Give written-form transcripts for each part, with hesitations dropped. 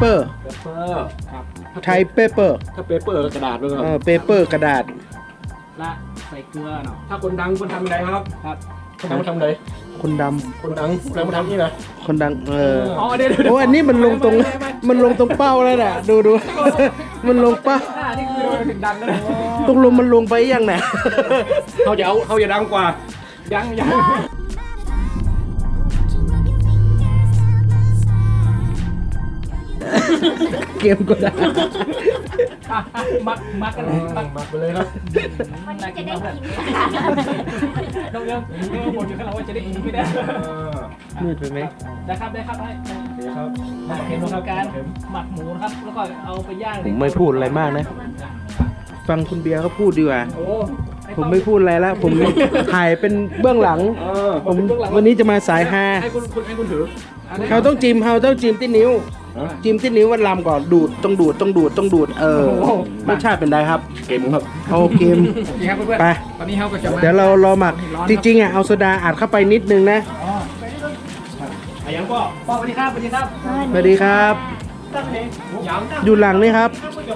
อร์เปเปอร์ครับไทยเปเปอร์ถ้าเปเปอร์กระดาษด้วยครับเปเปอร์กระดาษละใส่เกลือเนาะถ้าคนดังคนทำอะไรครับครับคนดังทำอะไรคนดคนดังแล้วมาทำนี่นะำคนดังอ๋อเดี๋ยวโอ้อันนี้มันลงตรงเป้าแล้วน่ะดู มันลงเป้านี่คือถึงดังแล้วนะตกลงมันลงไปยังไงเขาจะดังกว่ายังเกมก็ได้มักกันเลยมักมาไปเลยครับวันนี้จะได้กินน้องเรื่องบ่นอยู่ข้างหลังว่าจะได้กินไม่ได้มืดไปไหมได้ครับได้โอเคครับเห็นของการหมักหมูนะครับแล้วก็เอาไปย่างผมไม่พูดอะไรมากนะ ฟังคุณเบียร์เขาพูดดีกว่าโอ้ผมไม่พูดอะไรแล้ว ผมถ่ายเป็นเบื้องหลัง ผมวันนี้จะมาสายฮาให้คุณถือเขาต้องจิ้มที่นิ้ว จิ้มที่นิ้ววันลำก่อนดูดต้องดูดรสชาติเป็นไรครับเกมครับเอาเกมนี่ครับเพื่อนไปตอนนี้เขาก็จะมาเดี๋ยวเรารอหมัก จริงๆอ่ะเอาโซดาอัดเข้าไปนิดนึงนะอายังก็ป้าสวัสดีครับสวัสดีครับสวัสดีครับยังอยู่หลังนี่ครับ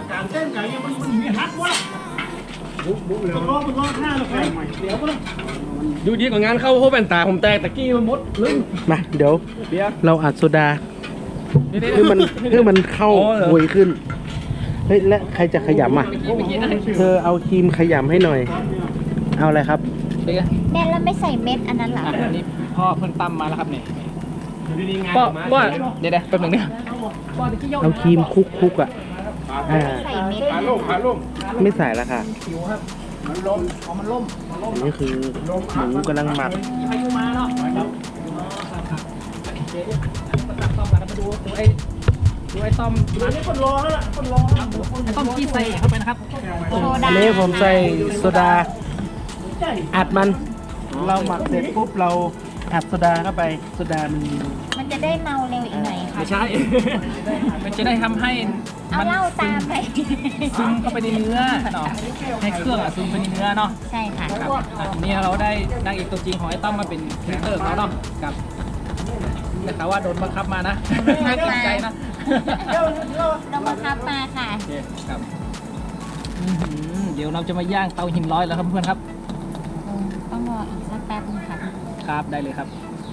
อยู่ดีกว่างานเข้าโฮแวนตาผมแตกตะกี้มันมดลึงมาเดี๋ยวเบียร์เราอัดโซดาเพื่อมันเข้าอ๋อเหรอหวยขึ้น เฮ้ยและใครจะขยำอ่ะ เธอเอาครีมขยำให้หน่อย เอาอะไรครับเดี๋ยวแม่แล้วไม่ใส่เม็ดอันนั้นเหรออันนี้พ่อเพิ่งตำมาแล้วครับเนี่ยอยู่ดีๆงานป้ามาป้าเดี๋ยวแป๊บนึงเนี่ยป้าตะกี้ยกเอาครีมคุกอ่ะ อ่าใส่เม็ดขาล่มไม่ใส่แล้วค่ะผิวครับมันล่มมันล่มอันนี้คือหมูกำลังหมักมีพายุมาเนาะครับเดี๋ยวตัดต้อมมาแล้วมาดูไอ้ต้อมอันนี้คนรอแล้วล่ะคนรอไอ้ต้อมขี้ใส่เข้าไปนะครับโซอัดานนี้ผมใส่โซดา อัดมัน เราหมักเสร็จปุ๊บเราอัดโซดาเข้าไปโซดามันมันจะได้เมาเร็วอีกหน่อยค่ะไม่ใช่ มันจะได้ทำให้เอาเหล้าตามไปซึมเข้าไปในเนื้อเนาะให้เครื่องซึมไปในเนื้อเนาะใช่ค่ะครับนี่เราได้นางเอกตัวจริงของไอ้ต้อมมาเป็นพรีเซนเตอร์ของเราเนาะกับแต่ข่าวว่าโดนบังคับมานะน่าเกรงใจนะเราบังคับมาค่ะโอเคครับเดี๋ยวเราจะมาย่างเตาหินร้อยแล้วครับเพื่อนครับต้องรออีกสักแป๊บนึงค่ะครับได้เลยครับ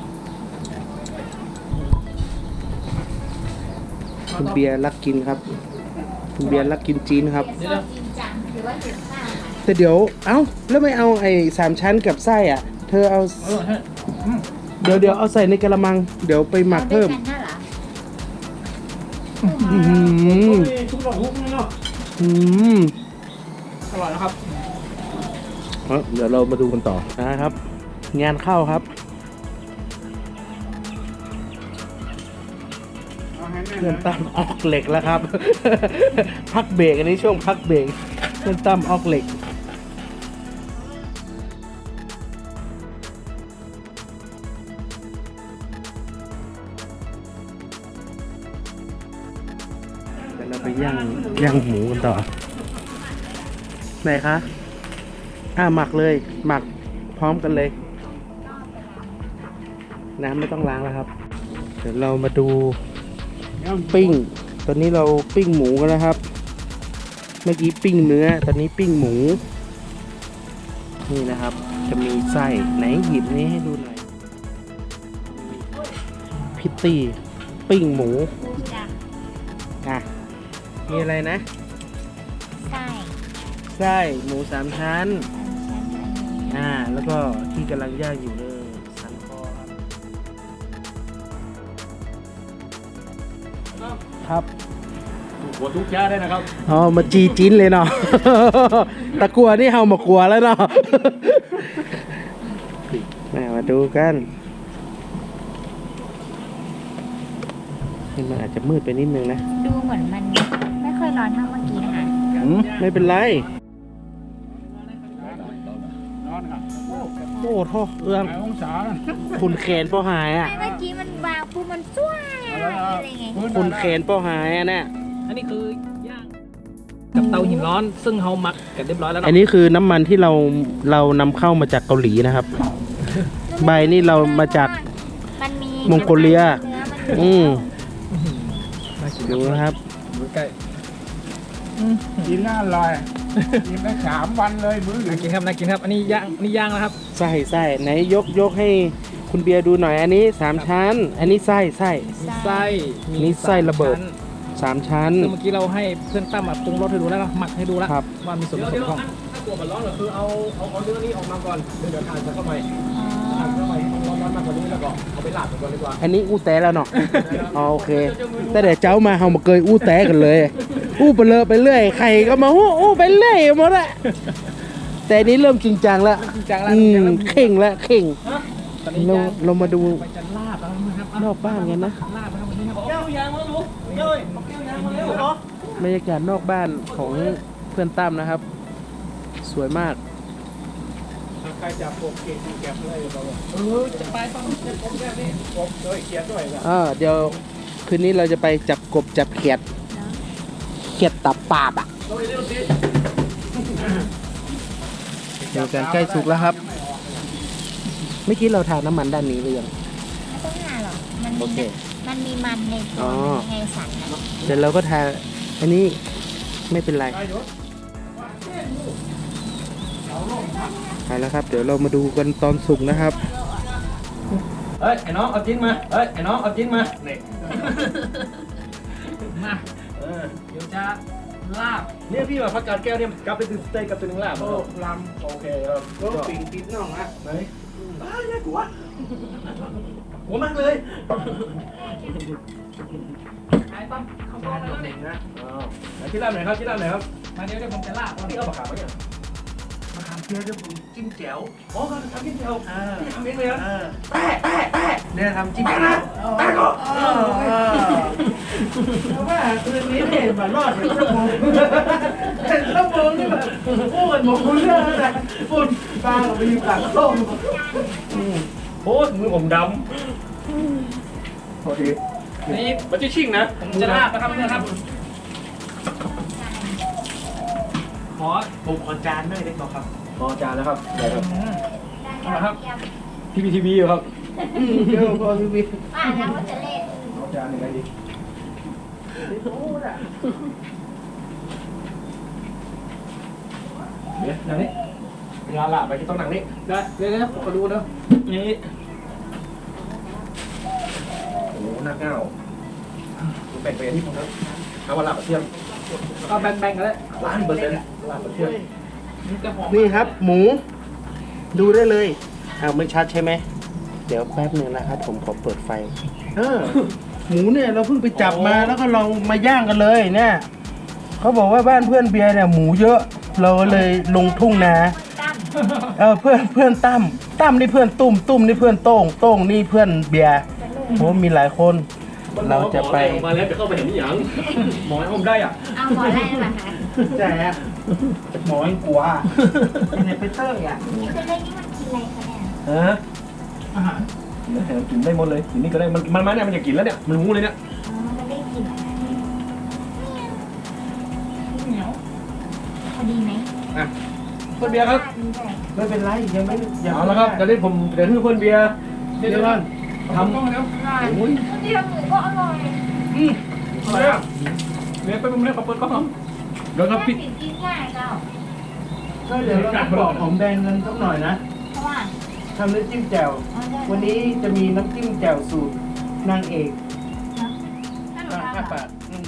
คุณเบียร์รักกินครับ คุณเบียร์รักกินจีนครับเดี๋ยวจริงจังหรือว่าถึงข้าวแต่เดี๋ยว เอ้า แล้วไม่เอาไอ้3 ชั้นกับไส้อ่ะ เธอเอา เดี๋ยวเอาใส่ในกระมัง เดี๋ยวไปหมักเพิ่มอาด้วยกันน่ะเหรออื้อหือทุกดอกทุกนี่เนาะอร่อยนะครับเดี๋ยวเรามาดูกันต่อนะครับ งานเข้าครับเพื่อนตั้มออกเหล็กแล้วครับ พักเบรกอันนี้ช่วงพักเบรกเพื่อนตั้มออกเหล็กเดี๋ยวเราไปย่างหมูกันต่อไหนคะหมักเลยหมักพร้อมกันเลย น้ำไม่ต้องล้างแล้วครับ เดี๋ยวเรามาดูปิ้ง ตอนนี้เราปิ้งหมูกันนะครับ เมื่อกี้ปิ้งเนื้อ ตอนนี้ปิ้งหมู นี่นะครับ จะมีไส้ไหนหยิบนี้ให้ดูหน่อย พิตตี้ปิ้งหมูจ้ะอ่ะ มีอะไรนะไส้ไส้หมู3 ชั้นชั้นอันนี้แล้วก็ที่กำลังย่างอยู่เลยสันคอครับหัวทุกย้าได้นะครับอ๋อ มาจีจิ้นเลยเนาะ ตะกัวนี่เฮามากลัวแล้วเนาะ มาดูกันมันอาจจะมืดไปนิดนึงนะดูเหมือนมันไม่ค่อยร้อนเท่าเมื่อกี้นะคะไม่เป็นไรร้อนครับโอ้โทษเอื้ององศาคุณแขนป้อหายอ่ะไม่เมื่อกี้มันวางปุ๊บมันจ้วอะไรไงคุณแขนป้อหายอ่ะเนี่ยอันนี้คือย่างกับเตาหินร้อนซึ่งเราหมักกันเรียบร้อยแล้วอันเนาะนี้คือน้ำมันที่เรานำเข้ามาจากเกาหลีนะครับ ใบนี่เรามาจากมันมีมองโกเลียเนื้อมันอืมน่ากินดูนะครับดูใกล้กินน่าอร่อยกินได้3 วันเลยมื้อน่ากินครับน่ากินครับ อันนี้ย่างแล้วครับไส้ไหนยกให้คุณเบียร์ดูหน่อยอันนี้3ชั้น อันนี้ไส้มีไส้นี่ไส้ระเบิด 3 ชั้นคือเมื่อกี้เราให้เพื่อนตั้มปรุงรสให้ดูแล้วนะหมักให้ดูแล้วครับว่ามีส่วนผสมของถ้ากลัวมันร้อนก็คือเอาเนื้อนี้ออกมาก่อนเดี๋ยวทานเข้าไปอ๋อทานเข้าไปร้อนมากกว่านี้แล้วก็เอาไปลาดก่อนดีกว่าอันนี้อู้แต้แล้วเนาะอ๋อโอเคแต่เดี๋ยวเจ้ามาเฮามาเกยอู้แต้กันเลย อู้ไปเลยไปเรื่อยใครก็มาอู้ไปเรื่อยหมดละแต่อันนี้เริ่มจริงจังแล้วจริงจังแล้วเข่งแล้วเข่งตอนนี้เรามาดูไปจะลาบแล้วนะครับนอกบ้านกันนะลาบแล้ววันนี้ครับเจ้ายางมาลูกเจ้ยยางมาเร็วเหรอบรรยากาศนอกบ้านของเพื่อนตั้มนะครับ สวยมากใครจะปกเกตแก็บเลยบอกว่าจะไปต้องผมแบบนี้ปกด้วยเขียนด้วยนะเดี๋ยวคืนนี้เราจะไปจับกบจับเขียดเขียดตับปาบอ่ะเราเร็วสิเดี๋ยวกันใกล้สุกแล้วครับ เมื่อกี้เราทาน้ำมันด้านนี้หรือยังไม่ต้องหาหรอกมันโอมีเคมันมีมันในตัอ๋วอไงสันนะเสร็จเราก็ทาอันนี้ไม่เป็นไรไปแล้วครับ เดี๋ยวเรามาดูกันตอนสุกนะครับเอ้ยไอ้น้องเอาจิ้นมาเอ้ยไอ้น้องเอาจิ้นมาเนี่ยมาเดี๋ยวจะลาบเนี่ยพี่มาพักการแก้วเนี่ยกลับไปตื่นสเต็กกับตัวนึงแล้วโอ้ลำโอเคครับก็ปิงปิดน้องอ่ะไหนน่ากลัวหัวมากเลยไอ้ตั้มเขาบอกแล้วนี่นะไหนที่ร้านไหนครับที่ร้านไหนครับมาเดี๋ยวผมจะลาบนี่เอาปากกาไหมเนี่ยมะขามเปียกจะปรุงจิ้มแจ่วอ๋อทำจิ้มแจ่วนี่ทำเองเลยนะแปะเนี่ยทำจิ้มแปะนะแปะก็ว่าคืนนี้เนี่ยมารอดเป็นชั่วโมงเป็นชั่วโมงนี่แบบพูดกันหมดเรื่องแล้วนะฝุ่นบางไปอยู่หลังส้มโอ้มือผมดำโอเคนี่มันจะชิ่งนะผมจะลาบนะครับเพื่อนครับขอผมขอจานด้วยได้ไหมครับพอจานแล้วครับได้ครับได้ครับเยี่ยมพี่พีทีวีอยู่ครับเดี๋ยวพอพี่บิ๊กว่าแล้วว่าจะเล่นเอาจานยังไงดีเดี๋ยวนั่งนี่เวลาละไปที่ต้องนั่งนี่ได้เดี๋ยวขอดูเด้อนี่โอ้โหหน้าเก้าแบ่งไปที่ผมนะเอาวันละกับเที่ยงก็แบ่งๆกันเลย 1,000%ละกับเที่ยงนี่จะหอมนี่ครับ หมู ดูได้เลยไม่ชัดใช่ไหม เดี๋ยวแป๊บหนึ่งนะครับ ผมขอเปิดไฟ หมูเนี่ยเราเพิ่งไปจับมาแล้วก็เรามาย่างกันเลยเนี่ยเขาบอกว่าบ้านเพื่อนเบียร์เนี่ยหมูเยอะ เราเลยลงทุ่งนาตั้มเพื่อนตั้มนี่เพื่อนตุ้มนี่เพื่อนโต้งนี่เพื่อนเบียร์โหมีหลายคน เราจะไปมาแล้วจะเข้าไปเห็นนี่ยังหมอให้ผมได้อ่ะเอาหมอได้ไหมคะแต่หมอยังกลัวเนี่ยไปเตอร์อ่ะนี่จะเล่นนี่มันกินอะไรคะเนี่ยฮะอาหารกินได้หมดเลยกินนี่ก็ได้มันมาเนี่ยมันจะกินแล้วเนี่ยมันรู้เลยเนี่ยอ๋อมันได้กลินอะไรเหนียวพอดีไหมอ่ะเพื่อนเบียร์ครับไม่เป็นไรยังไม่เอาละครับเดี๋ยวนี้ผมเดี๋ยวให้เพื่อนเบียร์เดี๋ยวก่อนทำต้องแล้วอร่อยคนที่ทำหมูก็อร่อยอะไรอ่ะเดี๋ยวไปมุมนี้ขอเปิดกล้องเดี๋ยวครับพี่แม่กินง่ายเจ้าก็เดี๋ยวเราบอกหอมแดงกันสักหน่อยนะเพราะว่าทำน้ำจิ้มแจ่วเอาได้วันนี้จะมีน้ำจิ้มแจ่วสูตรนางเอกถ้าหนูทำ 5 อะบาท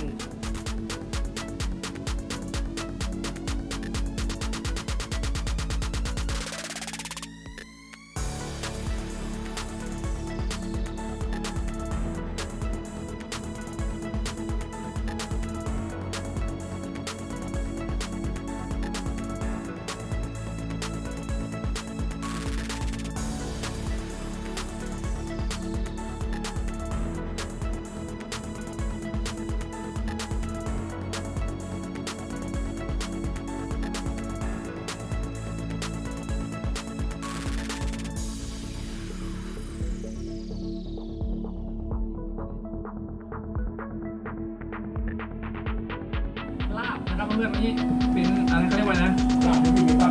ลาบนะครับเพื่อนๆนี่เป็นอะไรเขาเรียกว่านะลาบที่มีครับ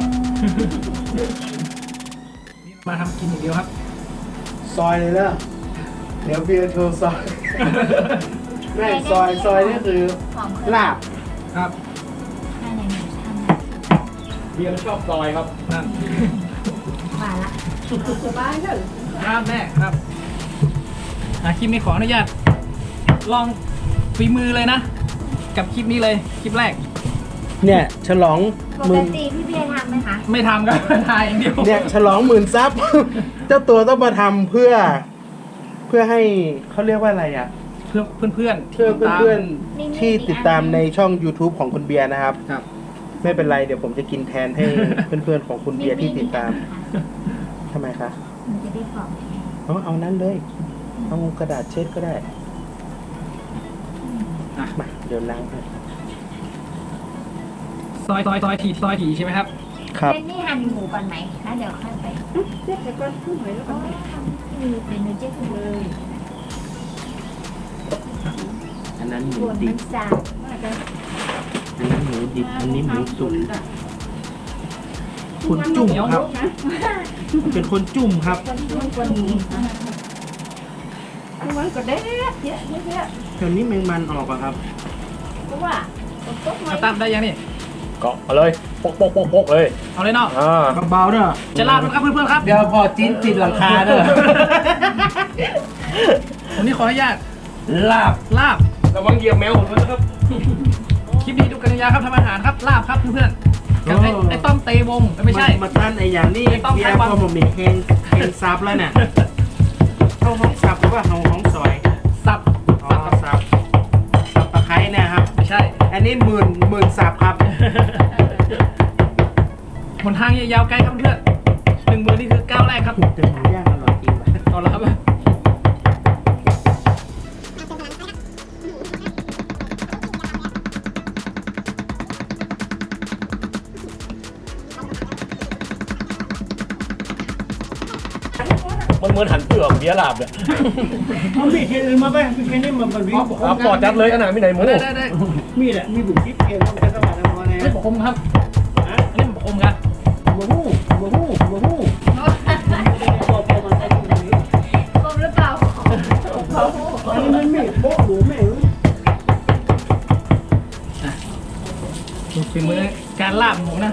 นี่มาทำกินอย่างเดียวครับซอยเลยนะเดี๋ยวเบียร์โชว์ซอยไม่ซอยนี่คือหอมลาบครับให้ในหมูทำเบียร์ชอบซอยครับครับหวานละครับแม่ครับคลิปนี้ขออนุญาตลองฝีมือเลยนะ กับคลิปนี้เลยคลิปแรกเนี่ยฉลองปหมื่กนติพี่เบียร์ทำไหมคะไม่ทำก็ ถ่ายอย่างเดียวเนี่ยฉลองหมื่นซับ เจ้าตัวต้องมาทำเพื่อให้เขาเรียกว่าอะไรอ่ะเพื่อนเพื่อนเพื่อเพื่อนๆที่ติดตามในช่อง YouTube ของคุณเบียร์นะครับครับไม่เป็นไรเดี๋ยวผมจะกินแทนให้ เพื่อนๆของคุณเบียร์ที่ติดตามทำไมคะมันจะได้หอมเอานั้นเลยเอากระดาษเช็ดก็ได้อ่ะมาเดี๋ยวล้างให้ซอยทีใช่ไหมครับครับนี่หั่นหมูก่อนไหมแล้วเดี๋ยวค่อยไปเจ๊จะก้อนขึ้นไหมแล้วก็มีเป็นเนื้อเจ๊ขึ้นเลยอันนั้นหมูส่วนดิมับนสาบว่าจะอันนั้นหมูดิบอันนี้หมูสุกคนจุ่มครับเป็นคนจุ่มครับคนนี้มันก็เด็ดเยอะเยอะเดี๋ยวนี้แมงมันออกอะครับเพราะว่าต้นไม้เอาตามได้ยังนี่เกาะมาเลยปกเลยเอาเลยเนาะเบาๆเด้อจะลาบนะครับเพื่อนๆครับเดี๋ยวพอจิ้นติดหลังคาเด้อวันนี้ขออนุญาตลาบลาบระวังเหยียบแมวผมด้วยนะครับคลิปนี้ดูกันยาวๆครับทำอาหารครับลาบครับเพื่อนๆกับไอ้ต้อมเตวงไม่ใช่มาตั้นไอ้อย่างนี้ไม่ต้องเบียใช้ร์ความพอผมมีเฮงซับแล้วเนี่ยเข้าห้องซับหรือว่าเข้าห้องซอยสับอ๋อซับตะไคร้เนะครับไม่ใช่อันนี้หมื่นซับครับหนทางยาวไกลครับเพื่อน10,000นี่คือก้าวแรกครับแต่หมูย่างอร่อยจริงว่ะเอาละครับมันเหมือนหันเปลือกเบียร์ลาบเนี่ยเอามีดที่อื่นมาไปมีแค่นี้มันวิ่งเอาปอดจัดเลยอันไหนไม่ไหนหมูได้มีดอ่ะมีบุกจิ๊บเองต้องใช้สว่านพอไงอันนี้ผมคมครับอันนี้ผมคมกันบูฮู้ พอมาใส่ตรงนี้กลมหรือเปล่าอันนี้มันมีดโป๊ะหรือไม่รู้ดูฝีมือการลาบของผมนะ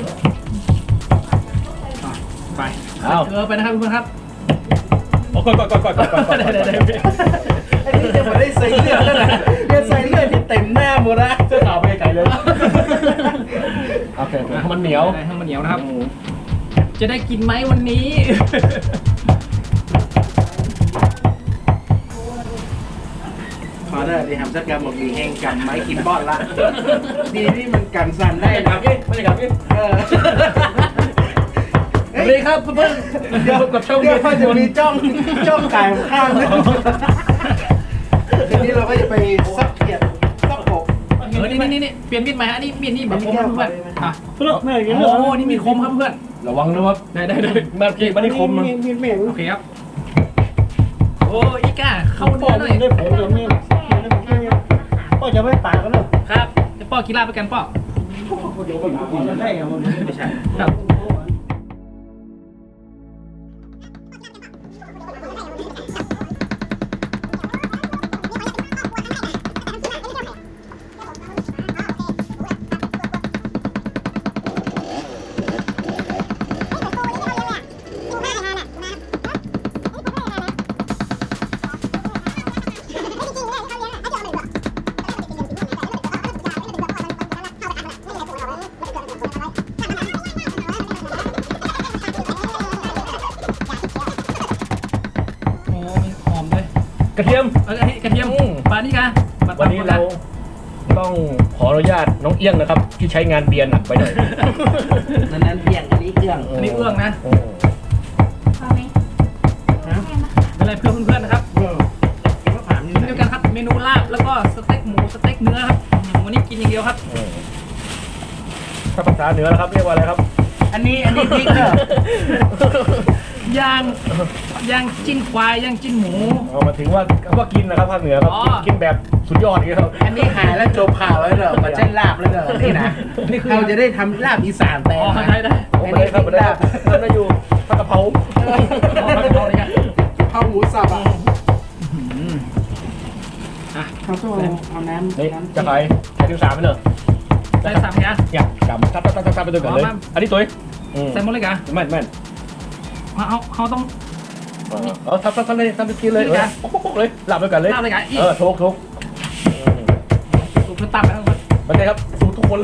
ไปเอาเกลือไปนะครับเพื่อนๆครับโอ้ก่อนได้อันนี้จะมาได้ใส่เลือดแล้วนะเลือดใส่เลือดที่เต็มหน้าหมดละเสื้อขาวไปไกลเลยโอเคมันเหนียวได้ให้มันเหนียวนะครับ จะได้กินไหมวันนี้ขอได้ดีทำสักการบอกมีแห้งกันไม้กินบอดละ ดีที่มันกันสั่นได้ไม่ได้นะกับพี่ไม่ได้กับพี่เออสวัสดีครับเพื่อนๆเดี๋ยวกับช่องเดี๋ยวเขาจะมีจ้องไก่ข้างนึงทีนี้เราก็จะไปซักเขียดซักกบนี่เปลี่ยนมีดใหม่ฮะอันนี้มีดนี่แบบคมครับเพื่อนอ่ะเลิกแม่กินโอ้เลิกโหนี่มีดคมครับเพื่อนระวังนะครับได้มาพี่มาที่คมมีดแม่โอเคครับ โอ้อีก้าเข้าพ่เนื้ออหน่อยได้ผลเลยมีดพ่อจะไม่ปากกันหรอครับจะป้อกีฬาไปกันป้อได้เหรอไม่ใช่ครับ โอ้มีหอมด้วยกระเทียมกระเทียมปลานี่กันวันนี้เราต้องขออนุญาตน้องเอี้ยงนะครับ ที่ใช้งานเบียร์หนักไปหน่อยนั้นเพียงอันนี้เครื่องอันนี้เอื้องนะพอไหมแม่มาเป็นไรเพื่อนเพื่อนๆนะครับมะขามนี่เดียวกันครับเมนูลาบแล้วก็สเต็กหมูสเต็กเนื้อครับวันนี้กินอย่างเดียวครับถ้าภาษาเหนือนะครับเรียกว่าอะไรครับอันนี้พริกเด้ย่างจิ้นควายย่างจิ้นหมูเอามาถึงว่ากินนะครับภาคเหนือครับอ๋อกินแบบสุดยอดอย่างเงี้ยครับอันนี้หายแล้วจบข่าวแล้วเหรอมาเช่นลาบแล้วเหรอนี่นะนี่คือเราจะได้ทำลาบอีสานแต่อ๋อนะได้โอ้ไม่ได้ครับไม่ได้ครับท่านนายอยู่ผัดกะเพราเอาไปเอาเลยกันข้าวหมูสับอ่ะอ่ะทเขาต้องเอาน้ำนี่จะไปใช้ถึง3ไปเลยใส่3เนี่ยเนี่ยกำทับไปตัวกันเลยอันนี้ตัวใส่หมดเลยกะแม่นเขาต้องทับเลยทับไปกินเลยปุ๊กเลยหลับไปกันเลยลาบเลยกะอีกทุกสูตรเพื่อตับแล้วมันไงครับสูทุกคนเลย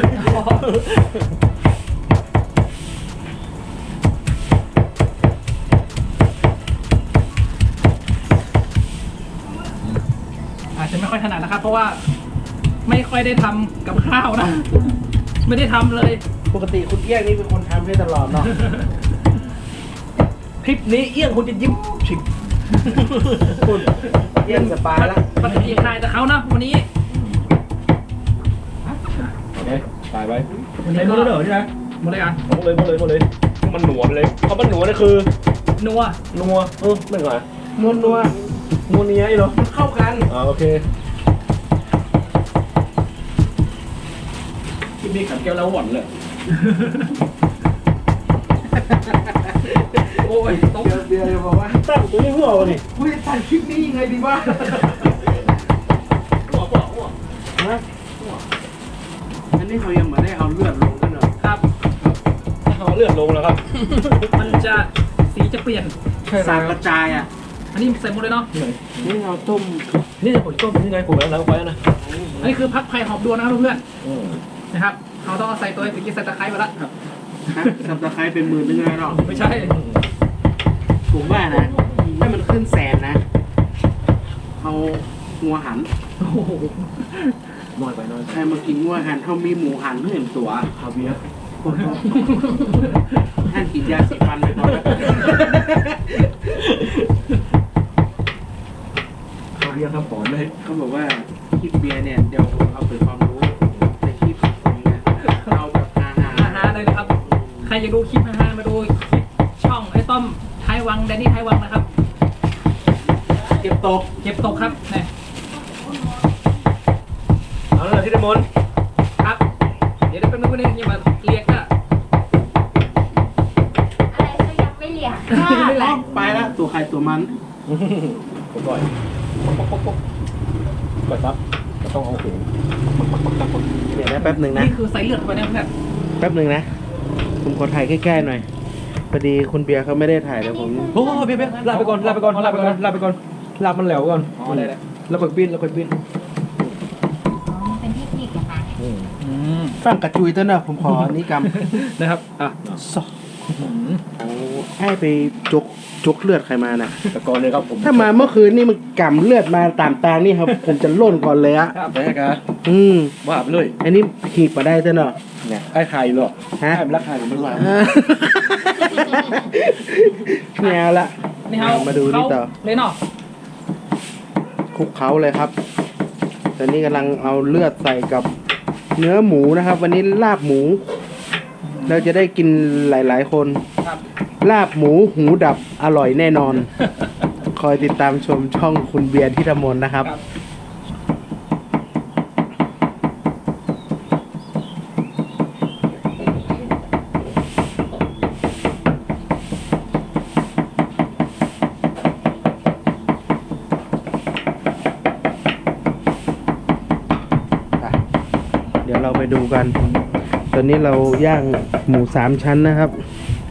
อาจจะไม่ค่อยถนัดนะครับ เพราะว่าไม่ค่อยได้ทำกับข้าวนะ ไม่ได้ทำเลยปกติคุณเอี้ยงนี่เป็นคนทำให้ตลอดเนาะคลิปนี้เอี้ยงคุณจะยิ้มฉิบคุณเอี้ยงสปายละปกติถ่ายแต่เขานะวันนี้ตายไปวันนี้หมก็ดเลยเหรอใช่ไหมหมดเลยกันหมดเลยมันหนัวไปเลยเพราะมันหนัวนี่คือนัวนัวไม่เหรอนัวนัวนัวเนี้ยอีเหรอเข้ากันโอเคคลิปนี้ขันแก้วแล้วหวานเลยโอ้ยตกเบียร์จะบอกว่าตั้งตัวนี้หัวนี่เฮ้ยตัดคลิปนี้ยังไงดีวะหัวฮะอันนี้เขายังไม่ได้เอาเลือดลงกันเหรอครับเอาเลือดลงแล้วครับมันจะสีจะเปลี่ยนสารกระจายอ่ะอันนี้ใส่หมดเลยเนาะนี่เราต้มนี่ผมต้มยังไงผมแล้วไว้นะอันนี้คือพักไผ่หอมดวนนะครับเพื่อนๆนะครับเขาต้องเอาใส่ตัวตะกี้ใส่ตะไคร้ไปแล้วฮะสับตะไคร้เป็น10,000นึงเลยเนาะไม่ใช่ผมว่านะถ้ามันขึ้นแสนนะเอางัวหันโอ้โหน้อยไปใครมากินงัวหันเขามีหมูหันเพื่อนตัวคาเวียร์ท่านกินยาสีฟันไปก่อนนะคาเวียร์ครับปอนเลยเขาบอกว่าคลิปเบียร์เนี่ยเดี๋ยวผมเอาเปิดความรู้ในคลิปตรงนี้นะเอาแบบอาหารอาหารเลยนะครับ ใครอยากดูคลิปอาหารมาดูคลิปช่องไอ้ต้อมท้ายวังแดนนี่ท้ายวังนะครับเก็บตกเก็บตกครับนี่เอาเลยที่เดมอนครับ เดี๋ยวเป็นคนนึงอย่ามาเรียกอะอะไรก็ยังไม่เหลี่ยมไม่แรงไปแล้วตัวใครตัวมันผมปล่อยกดซับก็ต้องเอาหูเดี๋ยวนะแป๊บหนึ่งนะนี่คือใส่เลือดเข้าไปเนี่ยเพื่อนแป๊บหนึ่งนะผมขอถ่ายใกล้ๆหน่อยพอดีคุณเบียร์เขาไม่ได้ถ่ายเดี๋ยวผมโอ้เบี้ยลาไปก่อนลาไปก่อนลามันแหลวก่อนอ๋อได้เลยแล้วค่อยปิ้นอ๋อเป็นเทคนิคเหรอคะฟังกระจุยเต้นนะผมขออันนี้กนะครับอ่ะำซอให้ไปจกเลือดใครมานะแต่ก่อนเลยครับผมถ้ามาเมื่อคืนนี่มันกำเลือดมาตามตางนี่ครับ ผมจะล่นก่อนเลยอะครับแม่กะ ว่าไปเลยอันนี้หีบมาได้เต้นเนาะเนี่ยไอ้ไข่หรอฮะไอ้ราคาอยู่ไม่ไหวไม่เอาละนี่เขามาดูนี่ต่อเลยเนาะคลุกเขาเลยครับ ตอนนี้กำลังเอาเลือดใส่กับเนื้อหมูนะครับ วันนี้ลาบหมู เราจะได้กินหลายๆคนครับลาบหมูหูดับอร่อยแน่นอน คอยติดตามชมช่องคุณเบียร์ที่ธมนนะครับครับเดี๋ยวเราไปดูกัน ตอนนี้เราย่างหมู3 ชั้นนะครับเมื่อ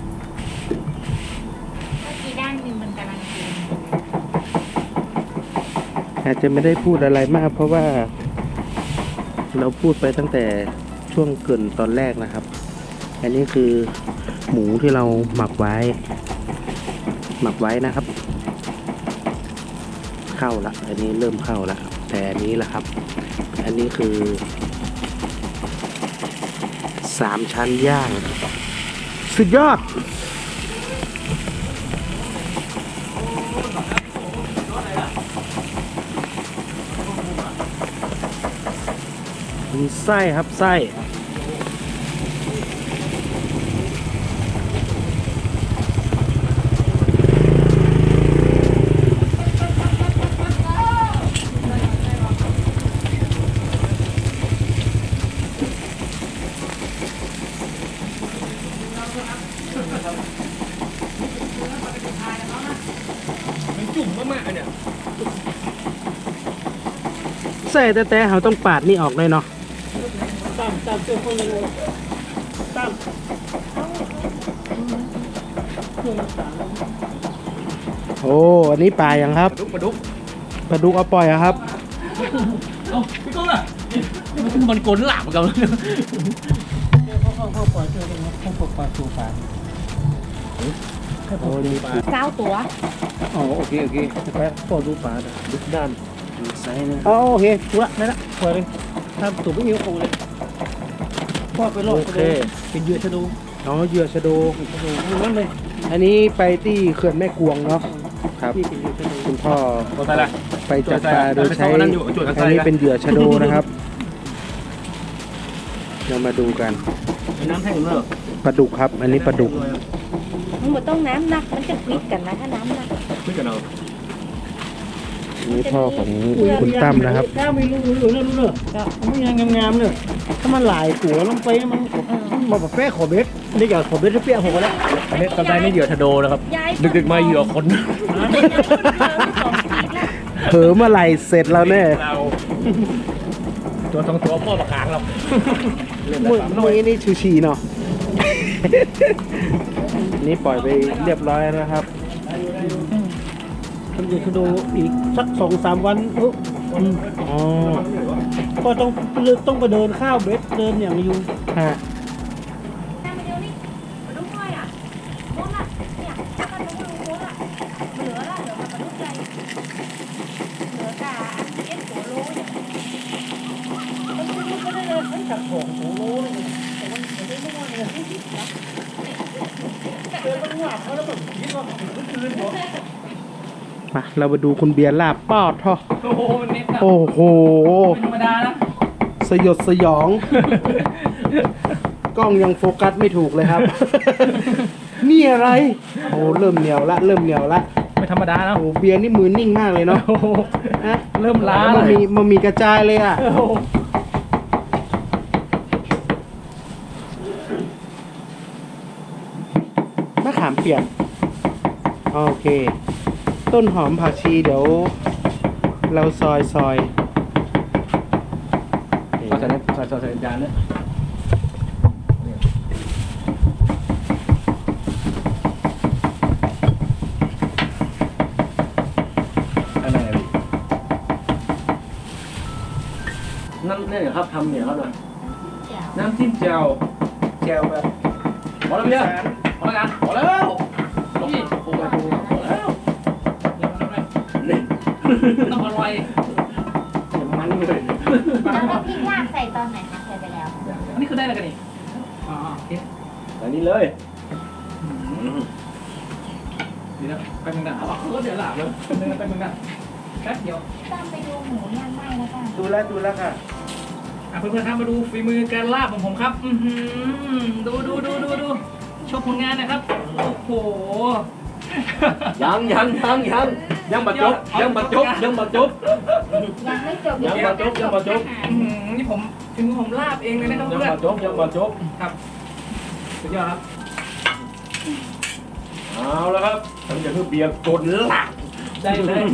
กี้ด้านหนึ่งมันกำลังกินอาจจะไม่ได้พูดอะไรมาก เพราะว่า เราพูดไปตั้งแต่ช่วงเกริ่นตอนแรกนะครับ อันนี้คือหมูที่เราหมักไว้นะครับ เข้าละอันนี้เริ่มเข้าละแต่อันนี้ล่ะครับ อันนี้คือ3 ชั้นย่าง สุดยอด มีไส้ครับไส้ใส่แต่เขาต้องปาดนี่ออกเลยเนาะตามเสื้อคนเลยตามโอ้อันนี้ปลาอย่างครับปลาดุกปลาดุกเอาปล่อยอะครับเอ้าพี่ก้องอ่ะมันโกนหลาบเหมือนกันเข้าปล่อยเสื้อเลยนะเข้าปล่อยตัวปลาโอ้นี่ปลา 9 ตัวอ๋อโอเคไปปล่อยดูปลาดูด้านดูไซส์นะอ๋อโอเคดูละนั่นละปล่อยเลยถ้าตัวไม่มีโอ้เลยปล่อยไปรอบโอเคเป็นเหยื่อชะดูอ๋อเหยื่อชะโดชะดูนั่นเลยอันนี้ไปที่เขื่อนแม่กวงเนาะครับที่เป็นเหยื่อชะดูคุณพ่อตัวอะไรล่ะไปจับปลาโดยใช้ไปเข้านั่นอยู่จุดกันไกลอันนี้เป็นเหยื่อชะโดนะครับ เรามาดูกันน้ำแห้งเนอะปลาดุกครับ อันนี้ปลาดุกมันบ่ต้องน้ำหนักมันจะควิดกันนะถ้าน้ำหนักไม่กันเอาอันนี้พ่อของคุณตั้มนะครับแก้วมีรูเนอะมันยังงามๆเนอะถ้ามันหลายตัวลงไปมันแบบแป้ขอเบ็ดนี่อยากขอเบ็ดที่เปี้ยผมก็แล้วอันนี้ตอนได้นี่เหยื่อชะโดนะครับย้ายดึกๆมาเหยื่อคนเผลอเมื่อไหร่เสร็จแล้วเนี่ยเราตัวสองตัวพ่อประกางเรามือนี่ชูชีเนาะ นี่ปล่อยไปเรียบร้อยนะครับทำเหยื่อชะดูอีกสัก2-3 วันอ๋อก็ต้องไปเดินข้าวเบ็ดเดินอย่างอยู่ฮะน้ำมาเดียวนี่มาดูหน่อยอ่ะโมดอ่ะเนี่ยถ้ากันดูโมดอ่ะเหลือละเหลือมาดูใจเหลือกาเอ็ดหัวโลเนี่ยมันคือมันก็ได้เลยมันจับของหัวโลเลยแต่มันไม่ได้ม่วนเลยเจอมันหวานเขาแล้วแบบคิดว่ามันคืนหัวมาเรามาดูคุณเบียร์ลาบปอดท่อโอ้โหมันเน็ตอะโอ้โหเป็นธรรมดานะสยดสยอง กล้องยังโฟกัสไม่ถูกเลยครับ นี่อะไร โอ้เริ่มเหนียวละเริ่มเหนียวละไม่ธรรมดานะโอ้เบียร์นี่มือนิ่งมากเลยเนาะโอ้โหฮะเริ่มล้ามันเลยมีกระจายเลยอ่ะโอ้โหมะขามเปียกโอเค ต้นหอมผักชีเดี๋ยว เราซอยใส่จานเนี่ยอะไรนั่นเนี่ยครับทำเนี่ยครับหน่อยน้ำจิ้มแจ่วแจวแบบพอแล้วพี่พอแล้วกันพอแล้วพี่พอแล้วนี่ต้องอร่อยมันเลยแล้วก็พริกลาบใส่ตอนไหนคะใส่ไปแล้วอันนี้คือได้อะไรกันนี่อ๋อโอเคอันนี้เลยดีนะไปมึงนะเอารถเดี๋ยวหลับเลยไปมึงนะแป๊บเดียวต้องไปดูหมูย่างไหม้แล้วกันดูแล้วค่ะเพื่อนๆครับมาดูฝีมือการลาบของผมครับดูโชว์ผลงานนะครับโอ้โหยังบัดจบยังไม่จบยังบัดจบนี่ผมฝีมือผมลาบเองเลยนะครับเพื่อนยังบัดจบครับสุดยอดครับเอาแล้วครับทำจากเบียร์กดหลักได้เลย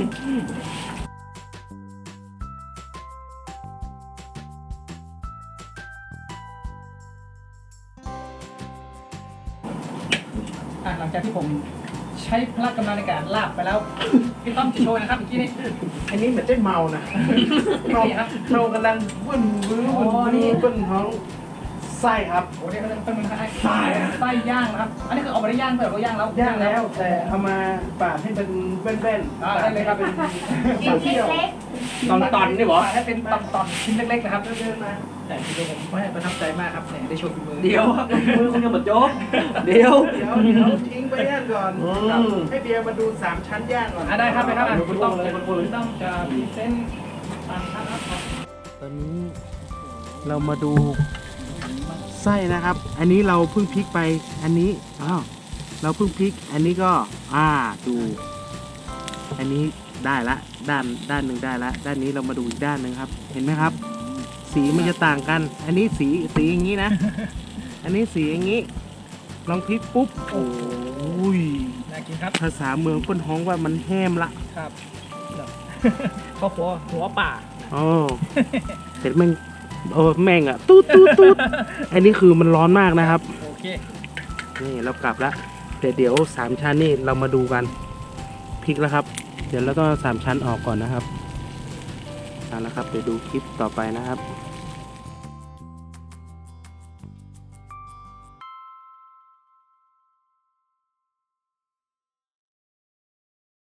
หลังจากที่ผมใช้พละกำลังในการลาบไปแล้วพี่ต้อมจะโชว์นะครับเมื่อกี้นี้อันนี้เหมือนเจ๊เมานะเมานี่ครับเรากำลังบึ้นบื้ออ๋อนี่บึ้นท้องไส้ครับโอ้เดี๋ยวเป็นมันไส้ย่างนะครับ อันนี้คือเอาไปได้ย่างเปล่าเราย่างแล้วย่างแล้ว แต่เอามาปาดให้เป็นแว่นๆได้เลยครับเป็นชิ้นเล็กตอนนี่หรอให้เป็นตอนชิ้นเล็กๆนะครับเดินมาแต่ทีเดียวผมไม่ประทับใจมากครับเนี่ยได้โชว์ฝีมือเดี๋ยวครับมือคุณยังบัดจบเดี๋ยวเดี๋ยวทิ้งไปย่างก่อนให้เบียร์มาดู3ชั้นย่างก่อนได้ครับไปครับคุณต้องจะพรีเซนต์ตามชั้นครับตอนนี้เรามาดูไส้นะครับ อันนี้เราเพิ่งพลิกไป อันนี้เราเพิ่งพลิก อันนี้ก็ดู อันนี้ได้ละด้านหนึ่งได้ละด้านนี้เรามาดูอีกด้านหนึ่งครับ เห็นไหมครับ สีมันจะต่างกัน อันนี้สีอย่างนี้นะ อันนี้สีอย่างนี้ ลองพลิกปุ๊บโอ้ยน่ากินครับภาษาเมืองเปิ้นฮ้องว่ามันแห้มละครับข้าวหัวป่าอ๋อเสร็จแม่งแม่งอ่ะตูดตูดตูดอันนี้คือมันร้อนมากนะครับโอเคนี่เรากลับแล้วเดี๋ยว3 ชั้นนี่เรามาดูกันพลิกแล้วครับ เดี๋ยวเราต้อง3 ชั้นออกก่อนนะครับเอาละครับเดี๋ยวดูคลิปต่อไปนะครับ